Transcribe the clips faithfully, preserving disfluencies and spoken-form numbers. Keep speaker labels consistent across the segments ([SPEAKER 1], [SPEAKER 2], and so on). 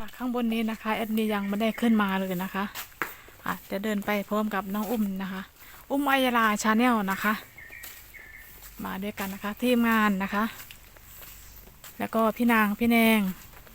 [SPEAKER 1] ค่ะข้างบนนี้นะคะแอดมินยังไม่ได้ขึ้นมาเลยนะคะอ่ะจะเดินไปพร้อมกับน้องอุ้มนะคะ อุ้มอัยราชาแนลนะคะ มาด้วยกันนะคะทีมงานนะคะ แล้วก็พี่นางพี่แนง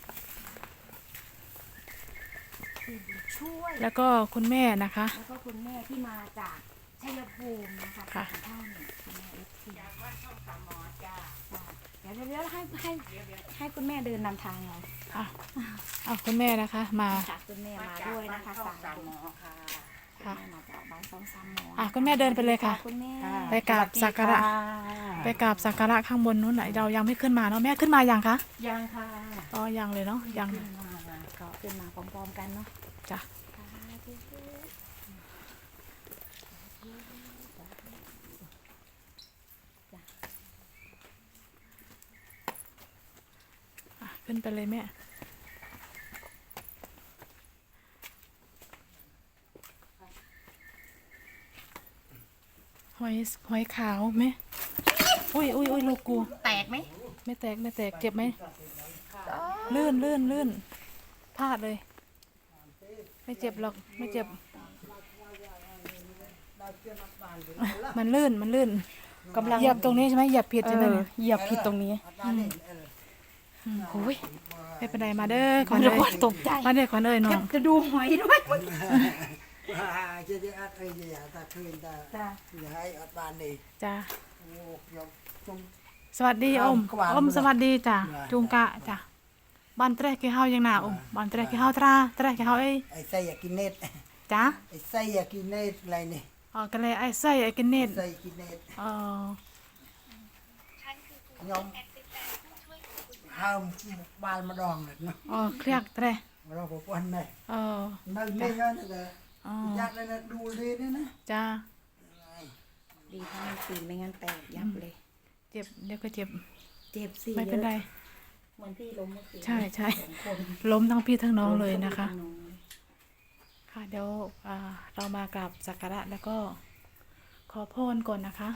[SPEAKER 2] ช่วย
[SPEAKER 1] แล้วก็คุณแม่นะคะ
[SPEAKER 2] แล้วก็คุณแม่ที่มาจากชัยภูมินะคะ
[SPEAKER 1] ค่ะ
[SPEAKER 2] สองท่านคุณแม่เอฟซีจากวัดช่องสามหมอจ้าเดี๋ยวเดี๋ยวให้ให้ให้คุณแม่เดินนำทางเรา
[SPEAKER 1] อ่ะเอาคุณแม่นะคะมา
[SPEAKER 2] ค่ะคุณแม่มาด้วยนะคะสามหมอค่ะ
[SPEAKER 1] ค่ะ
[SPEAKER 2] คุณแม่มาจากบ้านช่องสามหมอ
[SPEAKER 1] อ่ะคุณแม่เดินไปเลยค่ะ
[SPEAKER 2] คุณแม่
[SPEAKER 1] ไปกราบสักการะไปกราบสักการะข้างบนนู้นไหนเรายังไม่ขึ้นมาเนาะแม่ขึ้นมายังคะ
[SPEAKER 2] ยังค่ะ
[SPEAKER 1] อ๋อยังเลยเนาะยัง
[SPEAKER 2] ขึ้นมาก็ขึ้นมาพร้อมๆกันเนาะ
[SPEAKER 1] จ้ะอ่ะขึ้นไปเลยแม่หอยหอยขาวไหมอุ้ยอุ้ยอุ้ยลูกกู
[SPEAKER 2] แตกไหม
[SPEAKER 1] ไม่แตกไม่แตกเจ็บไหมลื่นลื่นลื่นพลาดเลย ไม่เจ็บหรอกไม่เจ็บ มันลื่นมันลื่น
[SPEAKER 2] กำลัง
[SPEAKER 1] เหยียบตรงนี้ใช่ไหมเหยียบผิดใช่ไหมเนี่ย
[SPEAKER 2] เหยียบผิดตรงนี้
[SPEAKER 1] อืมโอ้ยไม่เป็นไรมาเด้อข
[SPEAKER 2] มั
[SPEAKER 1] วัน ญ
[SPEAKER 2] จะ
[SPEAKER 1] เอ้ย
[SPEAKER 2] ตกใจ
[SPEAKER 1] มาเด้อขวัญเอ้ยน้อง
[SPEAKER 2] จะดูหอยด้วย
[SPEAKER 3] จะได้อัดเอ้ยอย่าตาคืนตา
[SPEAKER 2] จ้า
[SPEAKER 3] อย่าให้อัดบานนี่
[SPEAKER 1] จ้า
[SPEAKER 3] โอ้ยกจง
[SPEAKER 1] สวัสดีอม
[SPEAKER 3] ขวาน
[SPEAKER 1] อมสวัสดีจ้ะ
[SPEAKER 3] ขวาน
[SPEAKER 1] จุงกะจ้ะบ้านเตรกี่เฮายังหนาอมบ้านเตรกี่เฮาตราเตรกี่เฮาเอ้ย
[SPEAKER 3] ไอ้ไส้อยากกินเน็ต
[SPEAKER 1] จ้า
[SPEAKER 3] ไอ้ไส้อยากกินเน็ตอะไรนี่
[SPEAKER 1] อ๋อกันเลยไอ้ไส้ไอ้กินเน็ต
[SPEAKER 3] ไส้กินเน็ต
[SPEAKER 1] เออย
[SPEAKER 3] อมห้ามบานมาดองเลยเนาะ
[SPEAKER 1] อ๋อเครียดเตร
[SPEAKER 3] เราบอกวันไหน
[SPEAKER 1] เออ
[SPEAKER 3] นั่งไม่งั้นเลย
[SPEAKER 1] อ๋อ
[SPEAKER 3] อยากเลยนะดูเลยนะนะ
[SPEAKER 1] จ้า
[SPEAKER 2] ดีถ้ามันปีนไม่งั้นแตกยับเลย
[SPEAKER 1] เจ็บเดี๋ยวก็เจ็บ
[SPEAKER 2] เจ็บสิ
[SPEAKER 1] ไม่เป็นไร
[SPEAKER 2] เหมือนพี่ล้มเมื่อคืน
[SPEAKER 1] ใช่ใช่
[SPEAKER 2] สองคน
[SPEAKER 1] ล้มทั้งพี่ทั้งน้องเลยนะคะ
[SPEAKER 2] ล้มทั้งพี่ทั้งน้องเลย
[SPEAKER 1] ค่ะเดี๋ยวอ่าเรามากราบสักการะแล้วก็ขอพรก่อนนะคะ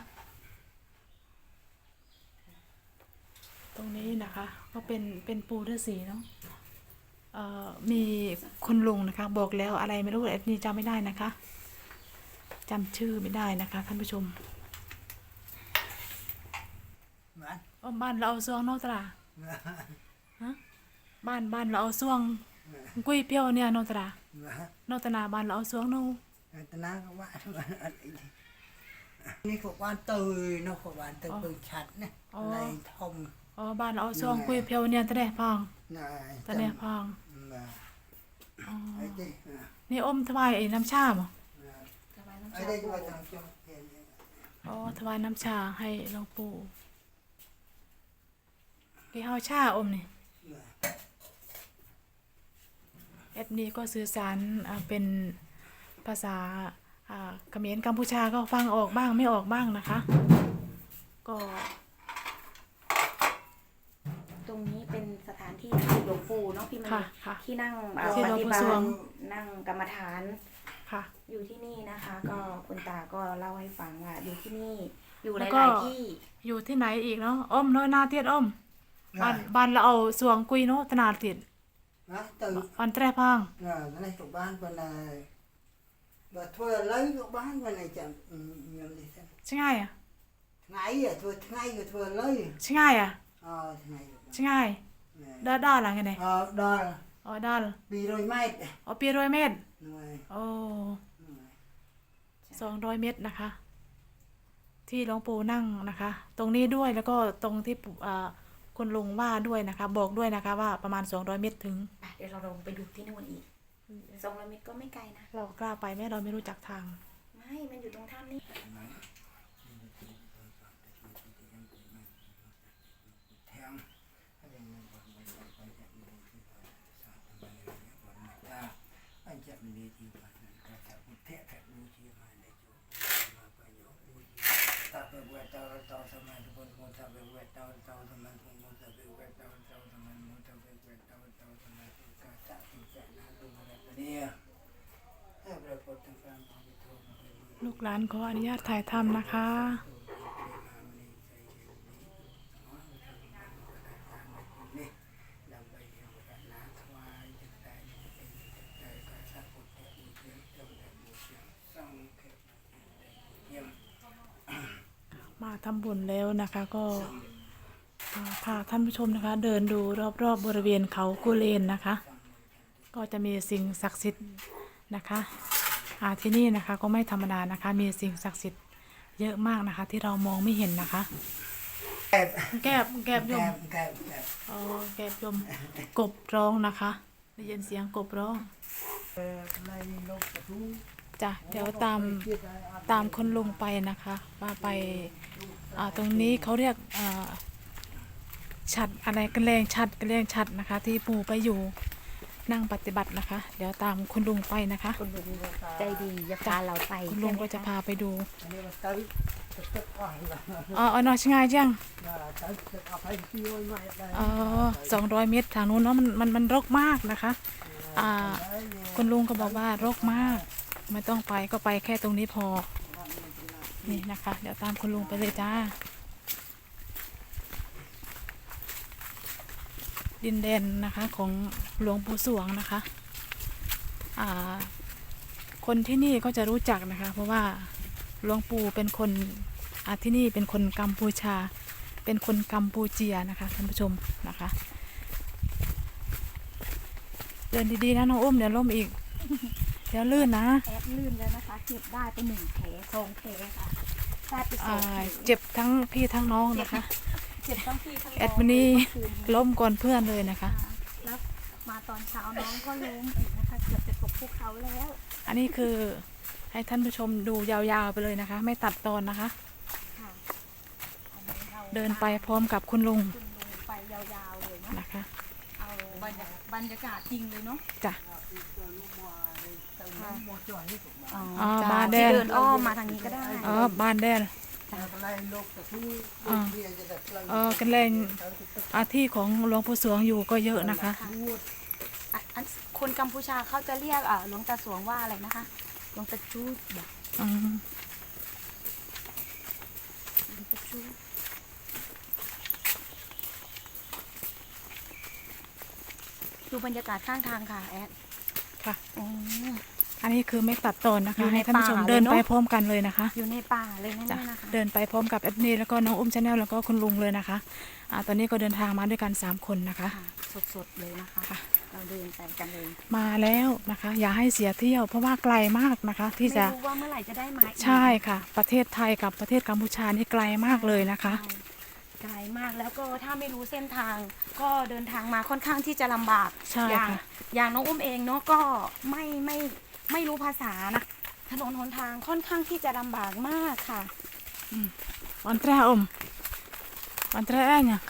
[SPEAKER 1] ตรงนี้นะคะ ก็เป็นเป็นปูฤาษีเนาะเอ่อมีคุณลุงนะคะ บอกแล้วอะไรไม่รู้แอดนี่จำไม่ได้นะคะจำชื่อไม่ได้นะคะท่านผู้ชม
[SPEAKER 3] เหมือน
[SPEAKER 1] อ้อมบ้านเราเอาซวงเนอกตราฮะบ้านบ้านเราเอาซวงกุ้ยเปี้ยวเนี่ยเนอกตรา
[SPEAKER 3] เหมือน
[SPEAKER 1] เนอกตนาบ้านเราเอาซวงเนอะ
[SPEAKER 3] ตนาก็ว่านี่ขวานตือเนาะขวานตือปืนชัดนะในทม
[SPEAKER 1] อ๋อบ้านเราเอาซวงกุ้ยเปี้ยวเนี่ยตะเดะพอง
[SPEAKER 3] นาย
[SPEAKER 1] ตะเดะพอง
[SPEAKER 3] อ๋อไอ้ดิ
[SPEAKER 1] นี่อมถวายไอ้น้ำชาบ่
[SPEAKER 2] สบายน้ำ
[SPEAKER 3] ไอ้
[SPEAKER 2] ชา
[SPEAKER 3] ดิ
[SPEAKER 2] ปู
[SPEAKER 3] ว่าทางจงเห็น
[SPEAKER 1] อ๋อถวายน้ำชาให้หลวงปู่กี่เฮาชาอมนี่แอดนี้ก็สื่อสารอ่าเป็นภาษาอ่าเขมรกัมพูชาก็ฟังออกบ้างไม่ออกบ้างนะคะ ก็
[SPEAKER 2] ตรงนี้เป็นสถานที่ที่หลวงปู่เนาะพี่มัน
[SPEAKER 1] ค่ะค่ะ
[SPEAKER 2] ที่นั่งเอ่อ
[SPEAKER 1] ที่
[SPEAKER 2] ป
[SPEAKER 1] หลวง
[SPEAKER 2] ฏิ
[SPEAKER 1] ปู่
[SPEAKER 2] บั
[SPEAKER 1] ส
[SPEAKER 2] ติ
[SPEAKER 1] วง
[SPEAKER 2] นั่งกรรมฐาน
[SPEAKER 1] ค่ะ
[SPEAKER 2] อยู่ที่นี่นะคะ ก็คุณตาก็เล่าให้ฟังว่าอยู่ที่นี่อยู่ห
[SPEAKER 1] แล้วก็
[SPEAKER 2] ลายๆที่
[SPEAKER 1] อยู่ที่ไหนอีกเนาะอมน้อยนาเทียดอมบ้านบ้านเราเอาสวงกุยเนาะตนาดติด
[SPEAKER 3] นะตื่น
[SPEAKER 1] บ้านแตรพัง
[SPEAKER 3] น่ะนั่นไอ้ตัวบ้านคนน่ะบ่ทั่วเลยตัวบ้านคนไหนจังอืมยังดิซั่น
[SPEAKER 1] ใช่ไงอ่ะ
[SPEAKER 3] ไงอ่ะทั่วไงก็ทั่วเลย
[SPEAKER 1] ใช่ไงอ่ะ
[SPEAKER 3] อ๋อไง
[SPEAKER 1] ใช่ไงด้าด้าหลังไงเนี่ย
[SPEAKER 3] อ๋อดอล
[SPEAKER 1] อ๋อด้า
[SPEAKER 3] ปีร้อยเมตร
[SPEAKER 1] อ๋อปีร้อยเมตร
[SPEAKER 3] หน่วย
[SPEAKER 1] โอ้สองร้อยเมตรนะคะ ที่หลวงปู่นั่งนะคะ ตรงนี้ด้วยแล้วก็ตรงที่ปู่อ่าคุณลุงว่าด้วยนะคะ บอกด้วยนะคะว่าประมาณสองร้อยเมตรถึง
[SPEAKER 2] อ่ะเดี๋ยวเราลงไปดูที่นู่นอีกสองร้อยเมตรก็ไม่ไกลนะ
[SPEAKER 1] เรากล้าไปไหมเราไม่รู้จักทาง
[SPEAKER 2] ไม่ มันอยู่ตรงถ้ำนี่
[SPEAKER 3] แถมอันจะมีที่ว่าก็จะอุเทศรู้ที่มาในจุมาไปโยรู้ที่ถ้าเป็นเวทเตาเตาสมัยทุกคนคนถ้าเป็นเวทเตาเตาสมัยทุกคนถ้าเป็นเวทเตาเตาสมัยมุถ้าเป็นเวทเตาเตาสมัยทุกคนจะเป็นจะน่าดูอะไรเนี่ยให้ประพฤติตามความเป็นธรรม
[SPEAKER 1] ลูกหลานขออนุญาตถ่ายทำนะคะ
[SPEAKER 3] นี่นำไปเห็นกันนาถวายจังใด
[SPEAKER 1] ำบุญแล้วนะคะก็อ่าพาท่านผู้ชมนะคะ เดินดูรอบๆบบริเวณเขากุเลนนะคะ ก็จะมีสิ่งศักดิ์สิทธิ์นะคะอ่าที่นี่นะคะก็ไม่ธรรมดานะคะ มีสิ่งศักดิ์สิทธิ์เยอะมากนะคะ ที่เรามองไม่เห็นนะคะ
[SPEAKER 3] แกบ
[SPEAKER 1] แกบแกบย
[SPEAKER 3] แก
[SPEAKER 1] ม
[SPEAKER 3] บแกบแกบ
[SPEAKER 1] อ๋อแกบยมกบร้องนะคะได้ยินเสียงกบร้อง
[SPEAKER 3] เอ่อในโลกกระทู้
[SPEAKER 1] จ้ะเดี๋ยวตามตามคนลุงไปนะคะว่าไปอ่าตรงนี้เขาเรียกอ่าฉัดอะไรกันแรงฉัดกันแรงฉัดนะคะ ที่ปู่ไปอยู่นั่งปฏิบัตินะคะ เดี๋ยวตามคุณลุงไปนะคะ
[SPEAKER 2] คุณลุงใจดีจะพาเราไป
[SPEAKER 1] คุณลุงก็จะ
[SPEAKER 2] ใช่ไหมค
[SPEAKER 1] พาไปดู
[SPEAKER 3] อันนี้มันตึ๊ดตึ๊ดอ่อนละ
[SPEAKER 1] อ๋ออ๋อหนอชงายจัง
[SPEAKER 3] ตึ๊ดตึ๊ดเอาไปที่โอ้ยไม่ได้
[SPEAKER 1] อ๋อสองร้อยเมตรทางนู้นเนาะมันมันมันรกมากนะคะอ่าคุณลุงก็บอกว่ารกมาก ไม่ต้องไปก็ไปแค่ตรงนี้พอนี่นะคะ เดี๋ยวตามคุณลุงไปเลยจ้า ดินแดนนะคะของหลวงปู่สวงนะคะอ่าคนที่นี่ก็จะรู้จักนะคะ เพราะว่าหลวงปู่เป็นคนอ่าที่นี่เป็นคนกัมพูชา เป็นคนกัมพูเจียนะคะท่านผู้ชมนะคะ เดินดีๆนะน้องอุ้มเดี๋ยวล้มอีก เดี๋ยวลื่นนะ
[SPEAKER 2] แอดลื่นแล้วนะคะเก็บได้ไปหนึ่งแผลสองแผลค่ะได้ไปสอ
[SPEAKER 1] อ่าง
[SPEAKER 2] แผล
[SPEAKER 1] เจ็บทั้งพี่ทั้งน้องนะคะ
[SPEAKER 2] เจ็บทั้งพี่ทั้งน้อง
[SPEAKER 1] แอดมินี่
[SPEAKER 2] เมื่อคืน
[SPEAKER 1] ล้มก่อนเพื่อนเลยนะคะ
[SPEAKER 2] ค่ะแล้วมาตอนเช้าน้องก็ล้มอีกนะคะเกือบจะตกภูเขาแล้ว
[SPEAKER 1] อันนี้คือให้ท่านผู้ชมดูยาวๆไปเลยนะคะ ไม่ตัดตอนนะคะ
[SPEAKER 2] ค่ะอันนี้รา
[SPEAKER 1] เดินไปพร้อมกับคุณลุง
[SPEAKER 2] คุณลุงไปยาวๆเลยเนาะ
[SPEAKER 1] นะคะ
[SPEAKER 2] เอาบรรยากาศบรรยากาศจริงเลยเนาะ
[SPEAKER 1] จ้ะ
[SPEAKER 2] ค่ะ
[SPEAKER 1] อ๋อ
[SPEAKER 2] จ้ะ
[SPEAKER 1] บ้านแด
[SPEAKER 2] ที่
[SPEAKER 1] ง
[SPEAKER 2] เดินอ้อมมาทางนี้ก็ได้
[SPEAKER 1] อ๋อบ้านแดน
[SPEAKER 3] ในโลกกระทู้
[SPEAKER 1] อ่า
[SPEAKER 3] เรียนจะได้กลั่น
[SPEAKER 1] เออกันแรงอาที่ของหลวงปู่สวงอยู่ก็เยอะนะคะ
[SPEAKER 2] ค่ะอ่ะอันคนกัมพูชาเขาจะเรียกอ่าหลวงตาสวงว่าอะไรนะคะหลวงตาจูดบอก
[SPEAKER 1] อืม
[SPEAKER 2] หลวงตาจูดดูบรรยากาศข้างทางค่ะแอด
[SPEAKER 1] ค่ะ
[SPEAKER 2] อ๋อ
[SPEAKER 1] อันนี้คือไม่ตัดตอนนะ
[SPEAKER 2] อยู่
[SPEAKER 1] คะ
[SPEAKER 2] ใน
[SPEAKER 1] ให้ท่านผู้ชม
[SPEAKER 2] ป่าเลย
[SPEAKER 1] เดิน
[SPEAKER 2] เนอะ
[SPEAKER 1] ไปพร้อมกันเลยนะคะ
[SPEAKER 2] อยู่ในป่าเลยนั่น
[SPEAKER 1] จ้ะ
[SPEAKER 2] นะคะ
[SPEAKER 1] เดินไปพร้อมกับแอดนีแล้วก็น้องอุ้มชาแนลแล้วก็คุณลุงเลยนะคะอ่าตอนนี้ก็เดินทางมาด้วยกันสามคนนะคะ
[SPEAKER 2] ค่ะสดๆเลยนะคะ
[SPEAKER 1] ค่ะ
[SPEAKER 2] เราเดินไปกันเลย
[SPEAKER 1] มาแล้วนะคะ อย่าให้เสียเที่ยว เพราะว่าไกลมากนะคะ ที่
[SPEAKER 2] ไม่
[SPEAKER 1] จะ
[SPEAKER 2] รู้ว่าเมื่อไหร่จะได้มาอีก
[SPEAKER 1] ใช่ค่ะ ประเทศไทยกับประเทศกัมพูชานี่ไกลมากเลยนะคะ
[SPEAKER 2] ใช่ไกลมากแล้วก็ถ้าไม่รู้เส้นทาง ก็เดินทางมาค่อนข้างที่จะลำบาก
[SPEAKER 1] ใช่
[SPEAKER 2] อย่าง
[SPEAKER 1] ค่ะ
[SPEAKER 2] อย่างน้องอุ้มเองเนาะก็ไม่ไม่ไม่รู้ภาษานะถนนหนทางค่อนข้างที่จะลำบากมากค่ะ
[SPEAKER 1] วันแรกอมวันแรกเนี่ย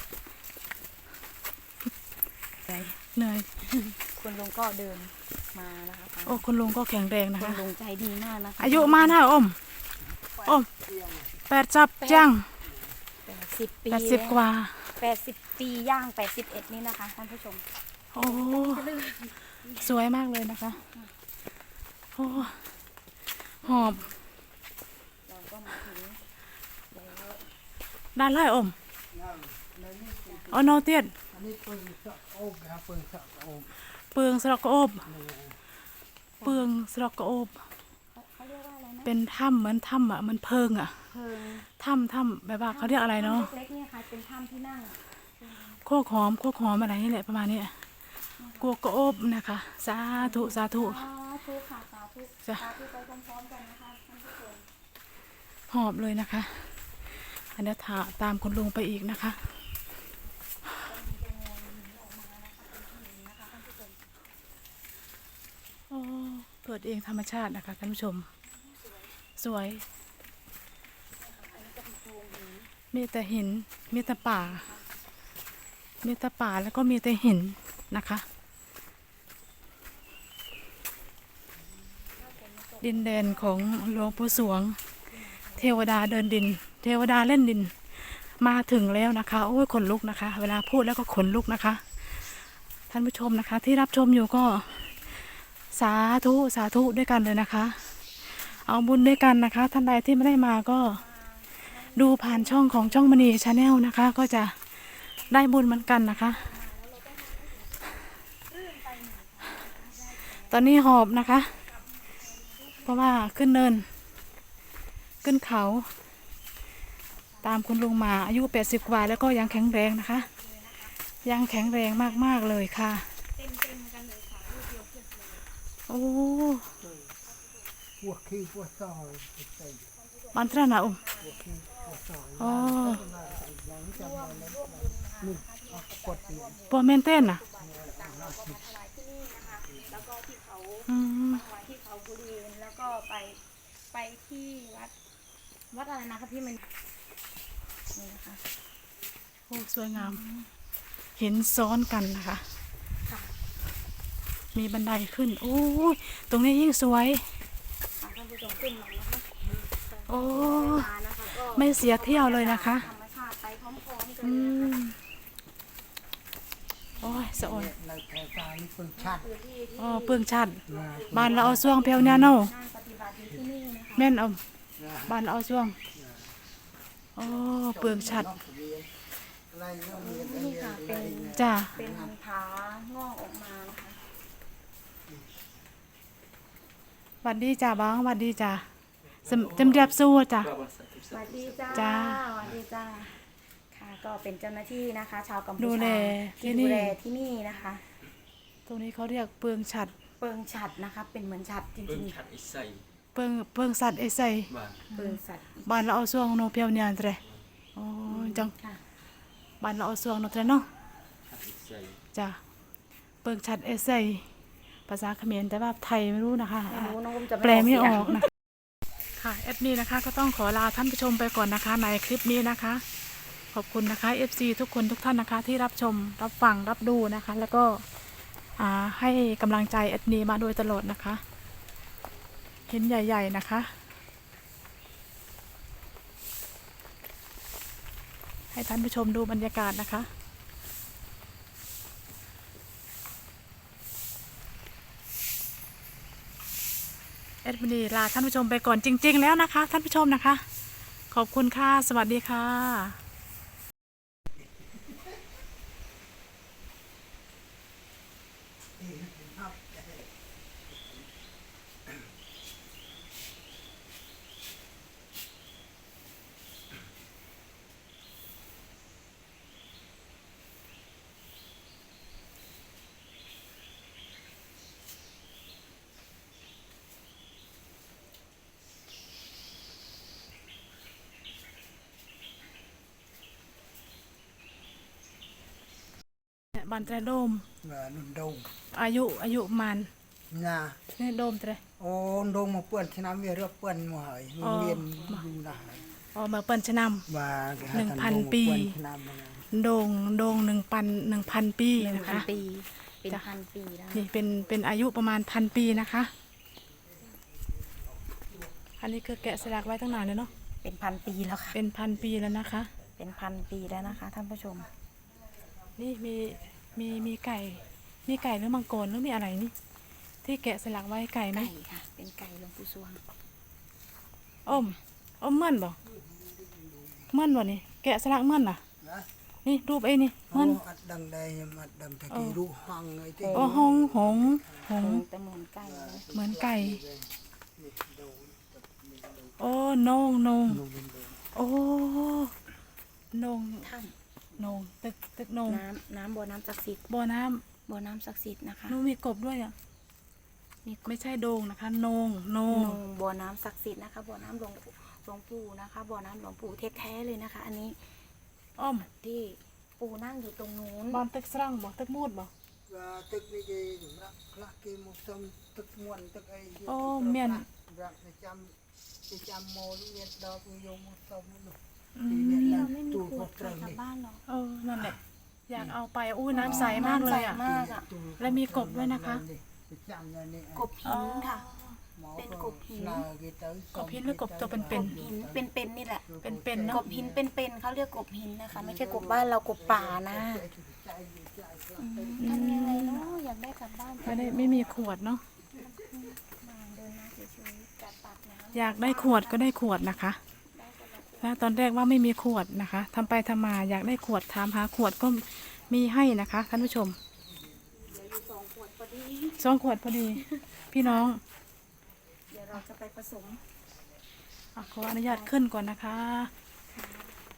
[SPEAKER 1] เหนื่อย
[SPEAKER 2] คุณลุงก็เดินมานะคะ
[SPEAKER 1] โอ้คุณลุงก็แข็งแรงนะ
[SPEAKER 2] คุณ
[SPEAKER 1] คะ
[SPEAKER 2] ลุงใจดีมากนะคะ
[SPEAKER 1] อายุมานะอมอมแปดจับจัง
[SPEAKER 2] แปดสิบปี
[SPEAKER 1] แปดสิบกว่า
[SPEAKER 2] แปดสิบปีย่างแปดสิบเอ็ดนี่นะคะท่านผู้ชม
[SPEAKER 1] โอ้สวยมากเลยนะคะโอ้หอบ
[SPEAKER 2] เราก็มาถึงแล้ว
[SPEAKER 1] ด้านไล่อม
[SPEAKER 3] ในนี้เป็น
[SPEAKER 1] อ๋อโนเตียน
[SPEAKER 3] อันนี้ปืนสะโอบนะครับปืนสะโอบ
[SPEAKER 1] เปลืองสระกระโอบเปลืองสระกระโอบ
[SPEAKER 2] เขาเขาเรียกว่าอะไรนะ
[SPEAKER 1] เป็นถ้ำเหมือนถ้ำอ่ะมันเพิงอ่ะ
[SPEAKER 2] เพิง
[SPEAKER 1] ถ้ำถ้ำแบบว่าเขาเรียกอะไรเนาะ
[SPEAKER 2] ถ้ำเล็กๆเนี่ยค่ะเป็นถ้ำที่นั่ง
[SPEAKER 1] โคกหอมโคกหอมอะไรนี่แหละประมาณนี้กลัวกระโอบนะคะ สาธุสาธุ
[SPEAKER 2] สาธุค่ะสาธุ
[SPEAKER 1] จ้ะ
[SPEAKER 2] สาธุไปพร้อมๆกันนะคะท่านผู้ชม
[SPEAKER 1] หอบเลยนะคะ อันนี้ถาตามคุณลุงไปอีกนะคะโอ้เกิดเองธรรมชาตินะคะท่านผู้ชม สวย มีแต่หิน มีแต่ป่า มีแต่ป่าแล้วก็มีแต่หินนะคะ ดินแดนของหลวงปู่สวง เทวดาเดินดิน เทวดาเล่นดิน มาถึงแล้วนะคะ โอ้ยขนลุกนะคะ เวลาพูดแล้วก็ขนลุกนะคะ ท่านผู้ชมนะคะ ที่รับชมอยู่ก็สาธุสาธุด้วยกันเลยนะคะ เอาบุญด้วยกันนะคะ ท่านใดที่ไม่ได้มาก็ดูผ่านช่องของช่องมณีชาแนลนะคะ ก็จะได้บุญเหมือนกันนะคะ ตอนนี้หอบนะคะ เพราะว่าขึ้นเนิน ขึ้นเขาตามคุณลุงมาอายุแปดสิบกว่าแล้วก็ยังแข็งแรงนะคะ ยังแข็งแรงมากๆเลยค่ะ
[SPEAKER 2] เต็มเต็มๆกันเลยค่ะลูกเดียวเพื่อนเลย
[SPEAKER 1] โอ้
[SPEAKER 3] พวกขี้พวกซอยใส่
[SPEAKER 1] มันตระหนะอุ้ม
[SPEAKER 3] พวกขี้พวกซอย
[SPEAKER 1] อ๋อ
[SPEAKER 3] ยังจำได้แล้วนี่เอากดนี่
[SPEAKER 1] ปอเมนเต้นน่ะ
[SPEAKER 2] ถวายที่นี่นะคะ แล้วก็ที่เขา
[SPEAKER 1] อืม
[SPEAKER 2] ถวายที่เขาบุรีแล้วก็ไปไปที่วัดวัดอะไรนะคะที่มันนี่นะคะ
[SPEAKER 1] โอ้สวยงาม เห็นซ้อนกันนะคะ
[SPEAKER 2] ค่ะ
[SPEAKER 1] มีบันไดขึ้น โอ้ยตรงนี้ยิ่งสวย
[SPEAKER 2] ท่านผู้ชมขึ้นมานะคะ
[SPEAKER 1] โอ้
[SPEAKER 2] มานะคะก็
[SPEAKER 1] ไม่เสียเที่ยวเลยนะคะ
[SPEAKER 2] ธรรมชาติไปพร้อมๆกัน
[SPEAKER 1] อื
[SPEAKER 2] เลยนะคะ
[SPEAKER 1] มโอ้ยสะอ่อน
[SPEAKER 3] ในแถวตานี่คนชัด
[SPEAKER 2] คือที่ที่
[SPEAKER 1] อ๋อเปลืองชัด
[SPEAKER 3] นะ
[SPEAKER 1] บ้านเราเอาช่วงเพียวเนี่ยเนาะ
[SPEAKER 2] นั่งปฏิบัติอยู่ที่นี่นะคะ
[SPEAKER 1] แม่นเอา
[SPEAKER 3] นะ
[SPEAKER 1] บ้านเราเอาช่วงโอ้เปลืองชัด
[SPEAKER 3] อะไรเรื่องเรียน
[SPEAKER 2] นี่ค่ะเป็น
[SPEAKER 1] จ้า
[SPEAKER 2] เป็นผางอกออกมานะคะ
[SPEAKER 1] หวัดดีจ้าบ้างหวัดดีจ้าจำจำเรียบสู้จ้า
[SPEAKER 2] สวัสดีจ้า
[SPEAKER 1] จ้า
[SPEAKER 2] สวัสดีจ้าค่ะก็เป็นเจ้าหน้าที่นะคะ ชาวกัมพู
[SPEAKER 1] ดูแล
[SPEAKER 2] ชา
[SPEAKER 1] ที่
[SPEAKER 2] ที่
[SPEAKER 1] นี่
[SPEAKER 2] ดูแลที่นี่นะคะ
[SPEAKER 1] ตรงนี้เขาเรียกเปลืองชัด
[SPEAKER 2] เปิงฉัดนะคะ เป็นเหมือนฉัดจ
[SPEAKER 4] เพิ่
[SPEAKER 2] ริ
[SPEAKER 4] ง
[SPEAKER 2] ง
[SPEAKER 4] ขัดไอ้ใส่
[SPEAKER 1] เปลืองเปลืองสัตว์ไอ้ใส่
[SPEAKER 4] บ้าน
[SPEAKER 2] ๆเปิงสัตว์
[SPEAKER 1] บ้านเราเอาช่วงโนเพียวเนี่ยเตรโอ้จัง
[SPEAKER 2] ค่ะ
[SPEAKER 1] บ้านเราเอาช่วงโนเตรเนาะ
[SPEAKER 4] ขัดไอ้ใส่
[SPEAKER 1] จ้าเปลืองชัดไอ้ใส่ภาษาเขมรแต่ว่าไทยไม่รู้นะคะ
[SPEAKER 2] ไม่รู้น้องอุ้มจะ
[SPEAKER 1] แปลไม่อ
[SPEAKER 2] เสีย
[SPEAKER 1] อง กนะคะค่ะแอดมินนะคะก็ต้องขอลาท่านผู้ชมไปก่อนนะคะในคลิปนี้นะคะ ขอบคุณนะคะ เอฟ ซี ทุกคนทุกท่านนะคะที่รับชมรับฟังรับดูนะคะ แล้วก็อ่าให้กำลังใจแอดมินมาโดยตลอดนะคะ เห็นใหญ่ๆนะคะ ให้ท่านผู้ชมดูบรรยากาศนะคะแอดมินลาท่านผู้ชมไปก่อนจริง ๆ แล้วนะคะ ท่านผู้ชมนะคะ ขอบคุณค่ะ สวัสดีค่ะ บันเตรโดม
[SPEAKER 3] เงินนุ่นดง
[SPEAKER 1] อายุอายุมัน
[SPEAKER 3] นะ
[SPEAKER 1] นี่โดมเตร
[SPEAKER 3] โอ้ดงมาเปื้อนชนะเวียเรือเปื้อนมาหอยมันเวียนอยู่นะ
[SPEAKER 1] อ๋อมาเปิ่นชะน
[SPEAKER 3] ว่า
[SPEAKER 1] หนึ่งพันปี ำโดงโดงหนึ่งพันหนึ่งพันปี
[SPEAKER 2] หนึ่ง
[SPEAKER 1] นะ
[SPEAKER 2] พัน
[SPEAKER 1] คะ
[SPEAKER 2] ปี เป็น
[SPEAKER 1] จ้ะ
[SPEAKER 2] พันปีแล้ว
[SPEAKER 1] นี่เป็นเป็นอายุประมาณพันปีนะคะ อันนี้คือแกะสลักไว้ตั้งนานเลยเนาะ
[SPEAKER 2] เป็นพันปีแล้วค่ะ
[SPEAKER 1] เป็นพันปีแล้วนะคะ
[SPEAKER 2] เป็นพันปีแล้วนะคะ ท่านผู้ชม
[SPEAKER 1] นี่มีมีมีไก่ มีไก่หรือมังกรหรือมีอะไรนี่ ที่แกะสลักไว้ไก่ไหม
[SPEAKER 2] ไก่ค่ะ เป็นไก่หลวงปู่สวง
[SPEAKER 1] อ้มอ้มเมื่อนบ่เมื่อนบ่นี่แกะสลักเมื่อนน่ะ
[SPEAKER 3] นะ
[SPEAKER 1] นี่รูปไอ้นี่
[SPEAKER 3] โอ้
[SPEAKER 1] เมื่อน
[SPEAKER 3] อัดดังใดมาดังตะกี้รู้ห้องไอ้ที่
[SPEAKER 1] โอ้หงหงหง
[SPEAKER 2] แต่เหมือนไก่เลย
[SPEAKER 1] เหมือนไก่ โอ้นงนงโอ้นง
[SPEAKER 2] ถ้
[SPEAKER 1] นงตึกตึกนง
[SPEAKER 2] ำน้ำน้ำบ่อน้ำศักดิ์สิทธิ์
[SPEAKER 1] บ่อน้ำ
[SPEAKER 2] บ่อน้ำศักดิ์สิทธิ์นะคะ
[SPEAKER 1] นูมีกบด้วยอ่ะ
[SPEAKER 2] มี
[SPEAKER 1] ไม่ใช่โดงนะคะนงน
[SPEAKER 2] โน
[SPEAKER 1] ง
[SPEAKER 2] บ่อน้ำศักดิ์สิทธิ์นะคะ บ่อน้ำหลวงปู่หลวงปู่นะคะ บ่อน้ำหลวงปู่แท้ๆเลยนะคะ อันนี้
[SPEAKER 1] อ้อม
[SPEAKER 2] ที่ปู่นั่งอยู่ตรงนู้น
[SPEAKER 1] บ้านตึกสร้างบ่ตึกมูดบ่
[SPEAKER 3] ว่าตึกนี่เองรักคลักเกมุสมตึกมวนตึกไอ้
[SPEAKER 1] โอ้เมียน
[SPEAKER 3] รักจะจำจะจำโมลเมียนดอกโยมุสมนู่น
[SPEAKER 1] อืม
[SPEAKER 2] เราไม่มีขวดใส่กลับบ้านหรอก
[SPEAKER 1] เออนั่นแหละอยากเอาไปอู้น้ำใสมากเลยอ่ะ
[SPEAKER 2] น้ำใสมากอะ
[SPEAKER 1] และมีกบด้วยนะคะ
[SPEAKER 2] กบหินค่ะ เป็นกบหิน
[SPEAKER 1] กบหินหรือกบตัวเป็น
[SPEAKER 2] กบหินเป็นๆนี่แหละ
[SPEAKER 1] ๆเป็นๆ
[SPEAKER 2] ก
[SPEAKER 1] เนาะ
[SPEAKER 2] บหินเป็นๆเขาเรียกกบหินนะคะ ไม่ใช่กบบ้านเรากบป่านะอืมทำยังไงเนาะอยากได้กลับบ้าน
[SPEAKER 1] ไม่ได้ไม่มีขวดเนาะ
[SPEAKER 2] มาเดินมาเฉยๆจัดตักน้ำ
[SPEAKER 1] อยากได้ขวดก็ได้ขวดนะคะแล้วตอนแรกว่าไม่มีขวดนะคะทำไปทำมาอยากได้ขวดถามหาขวดก็มีให้นะคะท่านผู้ชม
[SPEAKER 2] เหลืออยู่สองขวดพอดี
[SPEAKER 1] สองขวดพอดี พี่น้อง
[SPEAKER 2] เดี๋ยวเราจะไปผสม
[SPEAKER 1] อ่ะขออนุญาตขึ้นก่อนนะคะ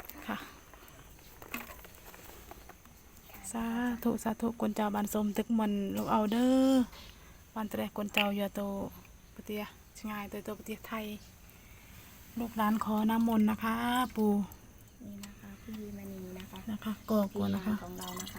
[SPEAKER 1] สาธุสาธุกวนเจ้าบันสมตึกมันลูกเอาเด้อบันเตะกวนเจ้าอย่าโตปะเตียชงายตัวโตปะเตียไทยลูกหลานขอน้ำมนต์นะคะ ปู่
[SPEAKER 2] นี่นะคะพี่มณีนะคะ
[SPEAKER 1] นะคะกอกวนนะคะ
[SPEAKER 2] ของเรานะคะ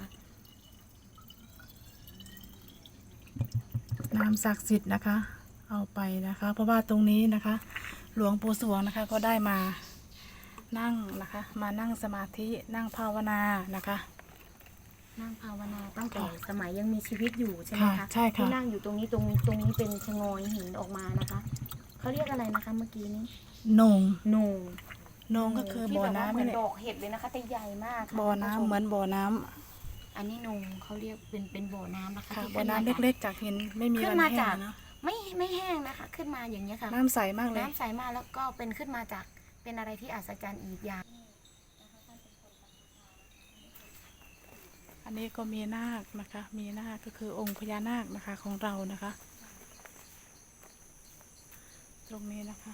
[SPEAKER 1] น้ำศักดิ์สิทธิ์นะคะ เอาไปนะคะ เพราะว่าตรงนี้นะคะ หลวงปู่สวงนะคะก็ได้มานั่งนะคะ มานั่งสมาธินั่งภาวนานะคะ
[SPEAKER 2] นั่งภาวนาตั้งแต่สมัยยังมีชีวิตอยู่ใช่ไหม
[SPEAKER 1] ค่ะ
[SPEAKER 2] คะ
[SPEAKER 1] ใช่ค่ะ
[SPEAKER 2] ที่นั่งอยู่ตรงนี้ตรงตรงนี้เป็นชะงอยหินออกมานะคะเขาเรียกอะไรนะคะเมื่อกี้นี้
[SPEAKER 1] โหนง
[SPEAKER 2] โหนง
[SPEAKER 1] โหนงก็คือ
[SPEAKER 2] ที่
[SPEAKER 1] บ่อ
[SPEAKER 2] แบบว่า
[SPEAKER 1] น้ำ
[SPEAKER 2] เหมือน
[SPEAKER 1] นี่แหละ
[SPEAKER 2] ดอกเห็ดเลยนะคะแต่ใหญ่มากค่ะ
[SPEAKER 1] บ่อน้ำ
[SPEAKER 2] คุณผู้ช
[SPEAKER 1] เหมือนบ่อน้ำ
[SPEAKER 2] อันนี้โหนงเขาเรียกเป็นเป็นบ่อน้ำนะคะ
[SPEAKER 1] ค่ะ
[SPEAKER 2] ที่
[SPEAKER 1] บ่อ
[SPEAKER 2] ขึ้มา
[SPEAKER 1] น้ำ
[SPEAKER 2] จาก
[SPEAKER 1] เล็กๆจากหินไม่มี
[SPEAKER 2] ขึ้
[SPEAKER 1] วัน น
[SPEAKER 2] มา
[SPEAKER 1] แห้
[SPEAKER 2] จาก
[SPEAKER 1] งนะ
[SPEAKER 2] ไม่ไม่แห้งนะคะ ขึ้นมาอย่างนี้ยค่ะ
[SPEAKER 1] น้ำใสมากเลย
[SPEAKER 2] น้ำใสมากแล้วก็เป็นขึ้นมาจากเป็นอะไรที่อัศจรรย์อีกอย่าง
[SPEAKER 1] อันนี้ก็มีนาคนะคะ มีนาคก็คือองค์พญานาคนะคะของเรานะคะ ตรงนี้นะคะ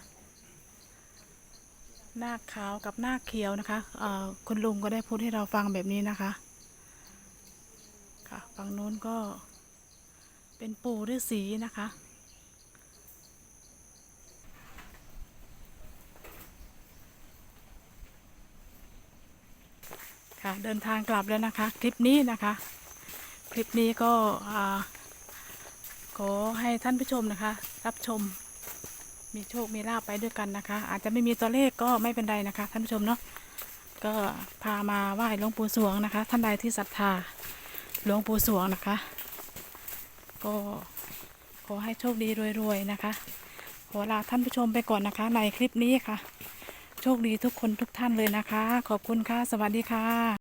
[SPEAKER 1] นาคขาวกับนาคเขียวนะคะเอ่อคุณลุงก็ได้พูดให้เราฟังแบบนี้นะคะ ค่ะฝั่งนู้นก็เป็นปู่ฤาษีนะคะ ค่ะเดินทางกลับแล้วนะคะ คลิปนี้นะคะ คลิปนี้ก็อ่าขอให้ท่านผู้ชมนะคะ รับชมมีโชคมีลาภไปด้วยกันนะคะ อาจจะไม่มีตัวเลขก็ไม่เป็นไรนะคะ ท่านผู้ชมเนาะก็พามาไหว้หลวงปู่สวงนะคะ ท่านใดที่ศรัทธาหลวงปู่สวงนะคะ ก็ขอให้โชคดีรวยๆนะคะขอลาท่านผู้ชมไปก่อนนะคะ ในคลิปนี้ค่ะ โชคดีทุกคนทุกท่านเลยนะคะ ขอบคุณค่ะ สวัสดีค่ะ